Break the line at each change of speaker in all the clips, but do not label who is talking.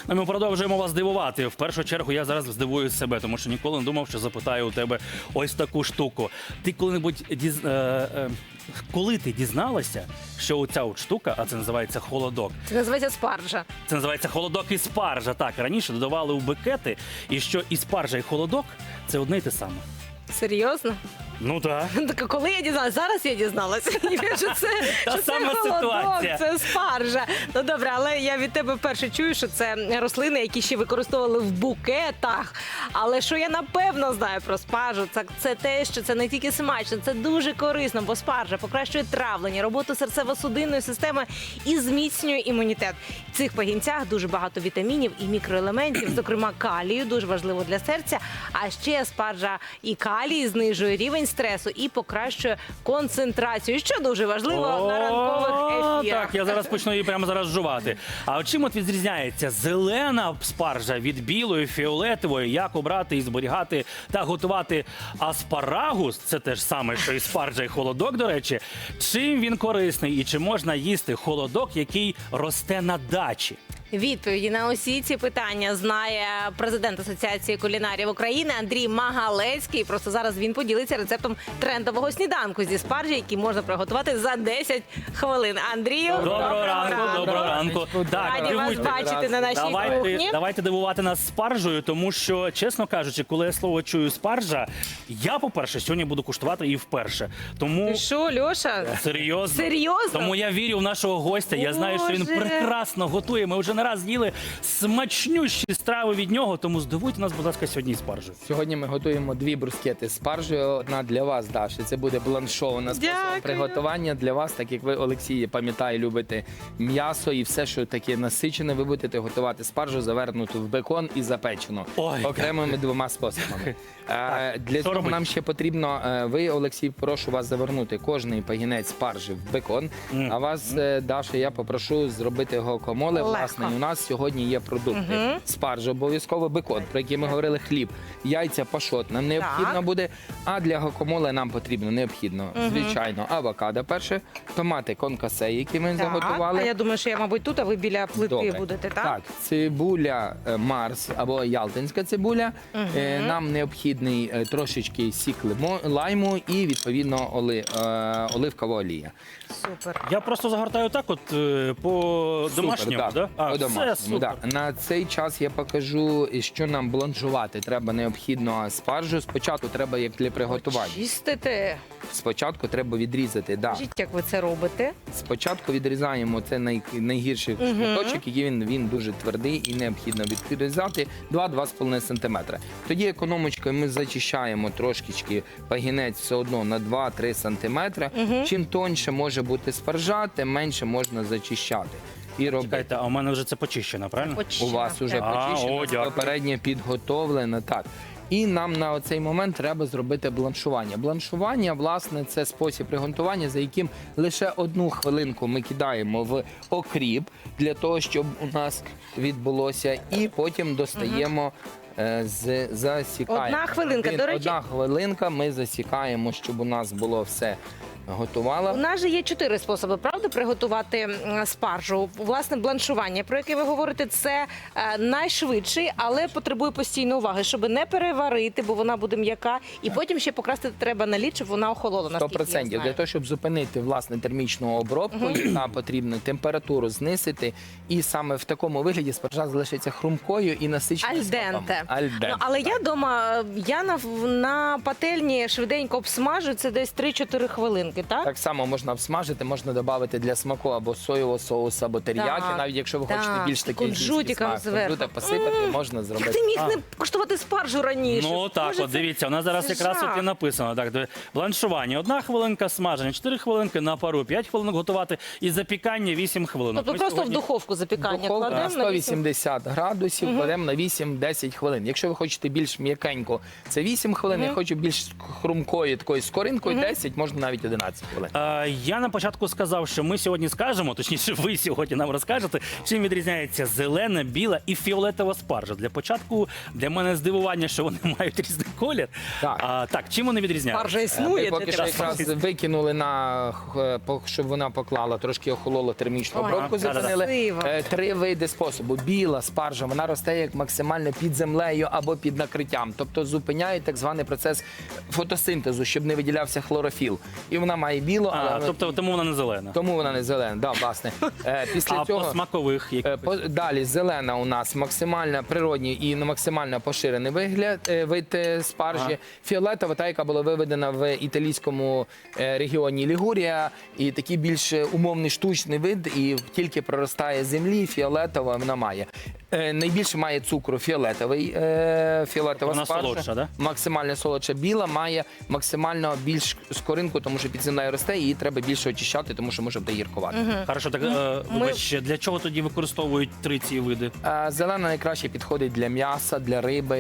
Ми продовжуємо вас дивувати. В першу чергу я зараз здивую себе, тому що ніколи не думав, що запитаю у тебе ось таку штуку. Ти коли-небудь коли ти дізналася, що оця от штука, а це називається холодок.
Це називається спаржа.
Це називається холодок і спаржа. Так, раніше додавали у бекети, і що і спаржа, і холодок – це одне й те саме.
Серйозно?
Ну так.
Так, а коли я дізналася? Зараз я дізналася, що
Та
це
сама
холодок,
ситуація.
це спаржа. Ну добре, але я від тебе вперше чую, що це рослини, які ще використовували в букетах. Але що я напевно знаю про спаржу, це те, що це не тільки смачно, це дуже корисно, бо спаржа покращує травлення, роботу серцево-судинної системи і зміцнює імунітет. В цих пагінцях дуже багато вітамінів і мікроелементів, зокрема калію, дуже важливо для серця. А ще спаржа і калій знижує рівень стресу і покращує концентрацію, що дуже важливо на ранкових ефірах.
Так, я зараз почну її прямо зараз жувати. А от чим от відрізняється зелена спаржа від білої, фіолетової, як обрати і зберігати та готувати аспарагус, це те ж саме, що і спаржа, і холодок, до речі, чим він корисний і чи можна їсти холодок, який росте на дачі?
Відповіді на усі ці питання знає президент Асоціації кулінарів України Андрій Магалецький. Просто зараз він поділиться рецептом трендового сніданку зі спаржі, який можна приготувати за 10 хвилин. Андрію,
Доброго ранку. Так,
Раді вас
дивуйте.
бачити на нашій кухні.
Давайте дивувати нас спаржею, тому що, чесно кажучи, коли я слово чую спаржа, я, по-перше, сьогодні буду куштувати і вперше. Тому
Ти що, Льоша?
серйозно.
Серйозно?
Тому я вірю в нашого гостя. Я знаю, що він
Боже.
прекрасно готує. Ми вже не раз їли смачнющі страви від нього, тому здивуйте нас, будь ласка, сьогодні і спаржею.
Сьогодні ми готуємо 2 брускети з спаржею. Одна для вас, Даша. Це буде бланшована спосіб
Дякую.
приготування для вас, так як ви, Олексій, пам'ятаю, любите м'ясо і все, що таке насичене, ви будете готувати спаржу, завернуту в бекон і запечену.
Ой.
Окремими 2 способами. Для
що
цього
робити?
нам ще потрібно, ви, Олексій, прошу вас завернути кожний пагінець спаржі в бекон. А вас, Даша, я попрошу зробити гуакамоле.
Легко.
Власне, у нас сьогодні є продукти. Спаржа, обов'язково бекон, про який ми говорили, хліб, яйця, пашот нам необхідно
Так.
буде, а для гуакамоле нам потрібно, необхідно, звичайно, авокадо перше, томати конкасе, які ми
Так,
заготували.
а я думаю, що я, мабуть, тут, а ви біля плити
Добре.
будете, так?
Так, цибуля Марс або ялтинська цибуля. Нам необхідний трошечки сік лайму і, відповідно, оливкова олія.
Супер.
Я просто загортаю так от по домашньому,
Супер,
да? А,
по-домашньому,
це супер.
да. На цей час я покажу, що нам бланшувати. Треба необхідно спаржу. Спочатку треба, як для приготування.
Чистите.
Спочатку треба відрізати. Да.
Скажіть, як ви це робите?
Спочатку відрізаємо це найгірший шматочок, який він дуже твердий і необхідно відрізати 2-2,5 см. Тоді економочкою ми зачищаємо трошечки пагінець все одно на 2-3 см. Чим тоньше може бути спаржа, тим менше можна зачищати. І робити.
Чекайте, а у мене вже це почищено, правильно?
У вас вже
А,
почищено,
дякую.
попередньо підготовлено. Так. І нам на оцей момент треба зробити бланшування. Бланшування, власне, це спосіб приготування, за яким лише 1 хвилинку ми кидаємо в окріп для того, щоб у нас відбулося, і потім достаємо. Засікаємо.
1 хвилинка, до речі.
1 хвилинка ми засікаємо, щоб у нас було все готувало.
У нас же є 4 способи, правда, приготувати спаржу. Власне, бланшування, про яке ви говорите, це найшвидший, але потребує постійної уваги, щоб не переварити, бо вона буде м'яка, і потім ще покрасити треба на лід, щоб вона охолола.
100%. Для того, щоб зупинити власне термічну обробку, яка потрібно температуру знизити, і саме в такому вигляді спаржа залишиться хрумкою і насиченою
Альденте.
Альденте.
Ну, але я вдома, на пательні швиденько обсмажу, це десь 3-4 хвилинки, так?
Так само можна обсмажити, можна додати для смаку або соєвого соусу, або теріякі,
Так,
навіть якщо ви
так.
хочете більш такий
Кунжутиком
смак.
зверху.
Кунжутик посипати можна
Як
зробити.
ти міг не коштувати спаржу раніше?
Ну так,
Боже,
от дивіться, у нас зараз
це
якраз
жах.
от і написано. Так, бланшування 1 хвилинка смаження, 4 хвилинки на пару, 5 хвилин готувати і запікання 8 хвилинок.
Тобто
Ми
просто
сьогодні-
в духовку запікання
Духовка
кладемо на
180 градусів, кладемо на 8-10 хвилин. Якщо ви хочете більш м'якенько, це 8 хвилин. Я хочу більш хрумкою, такою скоринкою, 10, можна навіть 11 хвилин.
Я на початку сказав, що що ми сьогодні скажемо, точніше, ви сьогодні нам розкажете, чим відрізняється зелена, біла і фіолетова спаржа. Для початку для мене здивування, що вони мають різний колір.
Так.
Так, чим вони відрізняються?
Спаржа
Ми
існує.
поки
для
що
тебе.
якраз викинули щоб вона поклала, трошки охолола термічну
Ой,
обробку,
да-да-да.
зупинили.
Красиво.
3 види способу. Біла спаржа, вона росте як максимально під землею або під накриттям. Тобто зупиняє так званий процес фотосинтезу, щоб не виділявся хлорофіл. І вона має білу, але
Тобто тому вона не зелена.
тому вона не зелена. Да, власне. Після
А
цього
по смакових якихось?
Далі зелена у нас максимально природній і максимально поширений вид спаржі.
Ага.
Фіолетова, та яка була виведена в італійському регіоні Лігурія, і такий більш умовний штучний вид, і тільки проростає з землі. Фіолетова вона має. Найбільше має цукру фіолетова
Вона
спаржа.
солодша, да?
Максимально солодша. Біла має максимально більш скоринку, тому що під землею росте, і її треба більше очищати, тому що може бути гіркувати.
Хорошо, так вибач, для чого тоді використовують 3 ці види?
Зелена найкраще підходить для м'яса, для риби.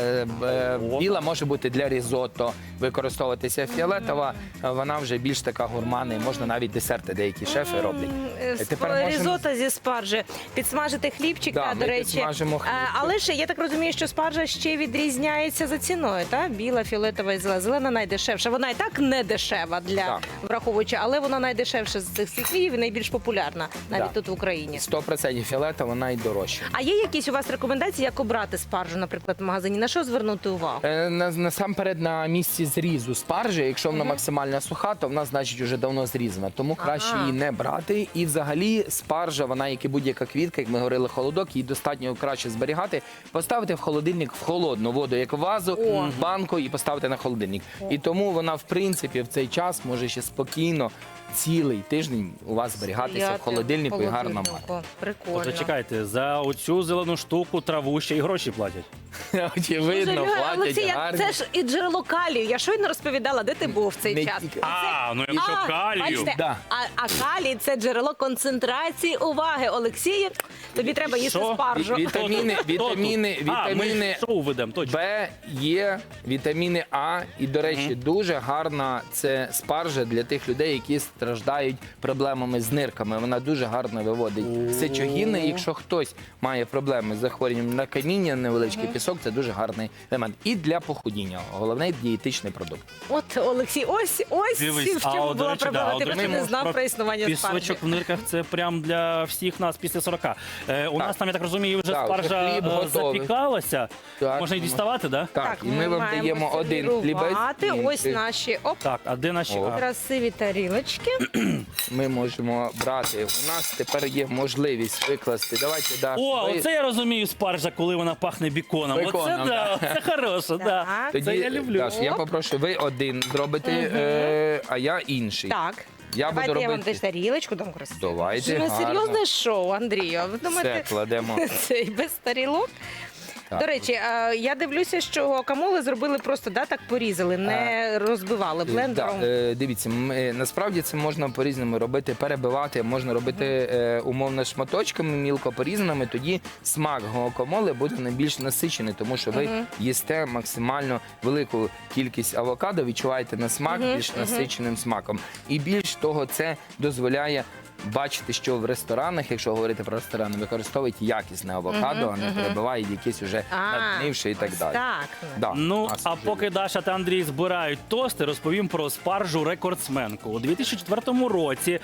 Біла може бути для різотто використовуватися. Фіолетова, вона вже більш така гурманна, і можна навіть десерти деякі шефи роблять. Тепер можемо-
Різота зі спаржі. Підсмажити хлібчика,
Да,
до
ми
речі.
підсмажимо хлібчик.
Але ж я так розумію, що спаржа ще відрізняється за ціною, так? Біла, фіолетова і зелена. Зелена найдешевша. Вона і так не дешева для
Так.
враховуючи, але вона найдешевша з цих всіх видів і найбільш популярна навіть
Да.
тут в Україні.
100% фіолетова, вона й дорожча.
А є якісь у вас рекомендації, як обрати спаржу, наприклад, в магазині? На що звернути увагу?
Насамперед на місці зрізу спаржі, якщо вона максимально суха, то вона значить вже давно зрізана. Тому краще її не брати. І взагалі спаржа, вона як і будь-яка квітка, як ми говорили, холодок, її достатньо краще зберігати, поставити в холодильник в холодну воду, як в вазу, в банку, і поставити на холодильник. І тому вона, в принципі, в цей час може ще спокійно цілий тиждень у вас зберігатися
Стояти
в холодильнику і гарно мати.
холодильнику. Прикольно.
Тобто чекайте, за оцю зелену штуку траву ще й гроші платять.
Очевидно,
Слухай,
платять
Олексій,
гарні.
це ж і джерело калію. Я щойно розповідала, де ти був в цей
Не
час.
тільки.
Ну якщо калію.
Бачите,
Да.
а калій це джерело концентрації уваги. Олексію, тобі треба їсти
Що?
спаржу.
Вітаміни,
Хто тут?
вітаміни
Ми шоу ведемо, точно.
Б, Є, вітаміни А. І, до речі, дуже гарна це спаржа для тих людей, які страждають проблемами з нирками. Вона дуже гарно виводить сечогіни. Якщо хтось має проблеми з захворюванням на каміння, невеличкий пісок, це дуже гарний елемент. І для похудіння. Головний дієтичний продукт.
От, Олексій, ось
Дивись,
в чому
до
була
речі,
проблема. Ти
от
просто не знав про існування спаржі.
Пісочок в нирках це прям для всіх нас після 40. У нас там, я так розумію, вже
Так, вже
спаржа
хліб готовий.
запікалася.
Так,
Можна і діставати, так?
Так, і ми вам
маємо
даємо один хлібець.
сервірувати. Ось
інший.
наші
Так, а де наші?
О.
красиві тарілочки.
Ми можемо брати. У нас тепер є можливість викласти. Давайте, да,
О,
ви-
оце я розумію спаржа, коли вона пахне біконом.
Беконом,
Оце да, це хороше, да.
Так.
Тоді,
Це я люблю.
Даш, я попрошу, ви один зробите, а я інший.
Так.
Я
Давайте
буду
я вам
робити.
теж тарілочку дам красиво.
Давайте,
Це не
гарно.
серйозне шоу, Андрію. Ви думаєте,
Все, кладемо.
це і без тарілок?
Так.
До речі, я дивлюся, що гуакамоле зробили просто так порізали, не розбивали блендером.
Дивіться, насправді це можна по-різному робити, перебивати, можна робити умовно шматочками, мілко порізаними, тоді смак гуакамоле буде найбільш насичений, тому що ви їсте максимально велику кількість авокадо, відчуваєте на смак більш насиченим смаком. І більш того, це дозволяє бачити, що в ресторанах, якщо говорити про ресторани, використовують якісне авокадо, а не перебивають якісь уже наднивши і так
ось
далі.
Так.
Да,
Ну,
у нас
а
вже
поки
є.
Даша та Андрій збирають тости, розповім про спаржу рекордсменку. У 2004 році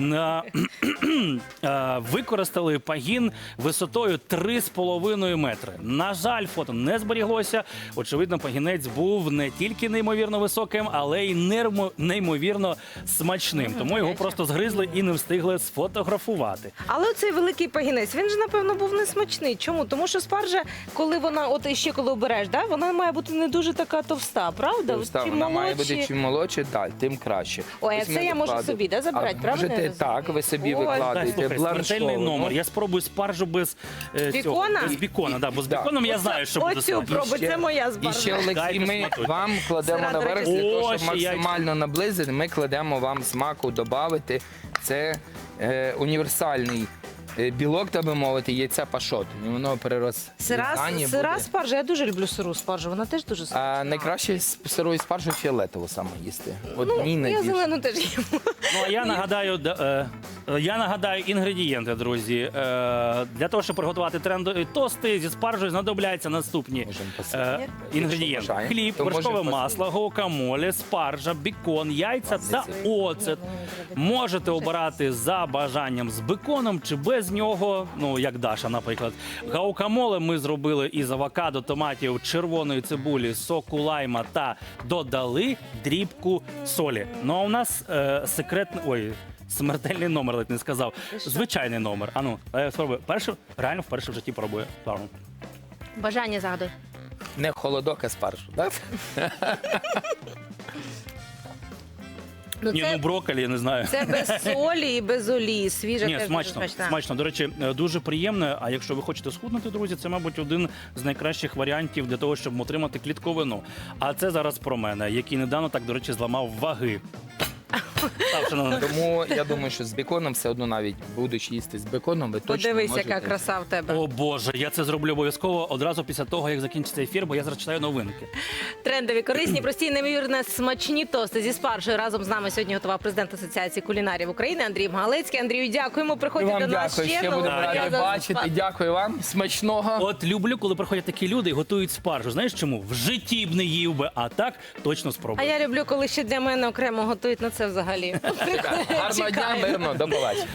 використали пагін висотою 3,5 метри. На жаль, фото не зберіглося. Очевидно, пагінець був не тільки неймовірно високим, але й неймовірно смачним. Тому його просто згризли і не встигли сфотографувати.
Але оцей великий пагінець, він же, напевно, був несмачний. Чому? Тому що спаржа, коли вона, от іще коли обереш, да, вона має бути не дуже така товста, правда?
Товста,
Чим
вона має
молодші-
бути чим молодше, так, тим краще.
Ой, а
Ось
це
ми
я можу
викладемо.
собі, да, забирати,
А
правильно я
можете,
розумію?
так, ви собі
Ой.
Дай,
викладаєте
слухай, смертельний
бланшовану.
номер. Я спробую спаржу без
Бікона?
Без бікона, да, бо з
Да.
біконом я знаю, що буде
Оцю
смачно.
пробуй, це моя
І
спаржа.
ще, Олексій,
Дайте
ми
смакуйте.
вам кладемо
Сира,
наверх,
до
для
речі.
того,
О,
щоб
ще яйця.
максимально наблизити, ми кладемо вам смаку додати. Це універсальний білок, так би мовити, яйця пашот. І воно перерозрізання
Сира
буде.
спаржа, я дуже люблю сиру спаржу, вона теж дуже смачна.
А найкраще з сирою спаржу фіолетову саме їсти. От мені
Я
найбільше.
зелену теж їм.
Ну, а я нагадаю інгредієнти, друзі. Для того, щоб приготувати трендові тости зі спаржею, знадобляться наступні
Можемо посипати.
інгредієнти.
бажаємо,
Хліб,
то
вершкове
можемо
масло, гуакамоле, спаржа, бікон, яйця та оцет. Можете обирати за бажанням з беконом чи без нього, ну, як Даша, наприклад. Гуакамоле ми зробили із авокадо, томатів, червоної цибулі, соку лайма та додали дрібку солі. Ну, а у нас смертельний номер, ледь не сказав. Звичайний номер. Ану, я спробую. Реально вперше в житті пробую. Ладно.
Бажання загадуй.
Не холодок, а спаржу. Так?
Ну,
Ні, ну брокколі, я не знаю.
це без солі і без олії. Свіжа
Ні,
теж
смачно,
дуже смачна.
смачно. До речі, дуже приємно. А якщо ви хочете схуднути, друзі, це, мабуть, один з найкращих варіантів для того, щоб отримати клітковину. А це зараз про мене, який недавно так, до речі, зламав ваги. Так, шановні.
Тому я думаю, що з беконом все одно, навіть будучи їсти з беконом, ви точно
Подивись,
можете.
яка краса в тебе.
О Боже, я це зроблю обов'язково одразу після того, як закінчиться ефір, бо я зараз читаю новинки.
Трендові, корисні, прості, неймовірно смачні тости зі спаржею. Разом з нами сьогодні готував президент Асоціації кулінарів України Андрій Галицький. Андрію, дякуємо.
І
Приходьте
вам
до нас
дякую, ще
Ну,
будемо
я
раді
за-
бачити. Дякую вам. Смачного.
От люблю, коли приходять такі люди і готують спаржу. Знаєш чому? В житті б не їв би, а так точно
А
спробую.
я люблю, коли ще для мене окремо готують на це взагалі.
Гарного дня,
Чекаю.
мирно, до побачення.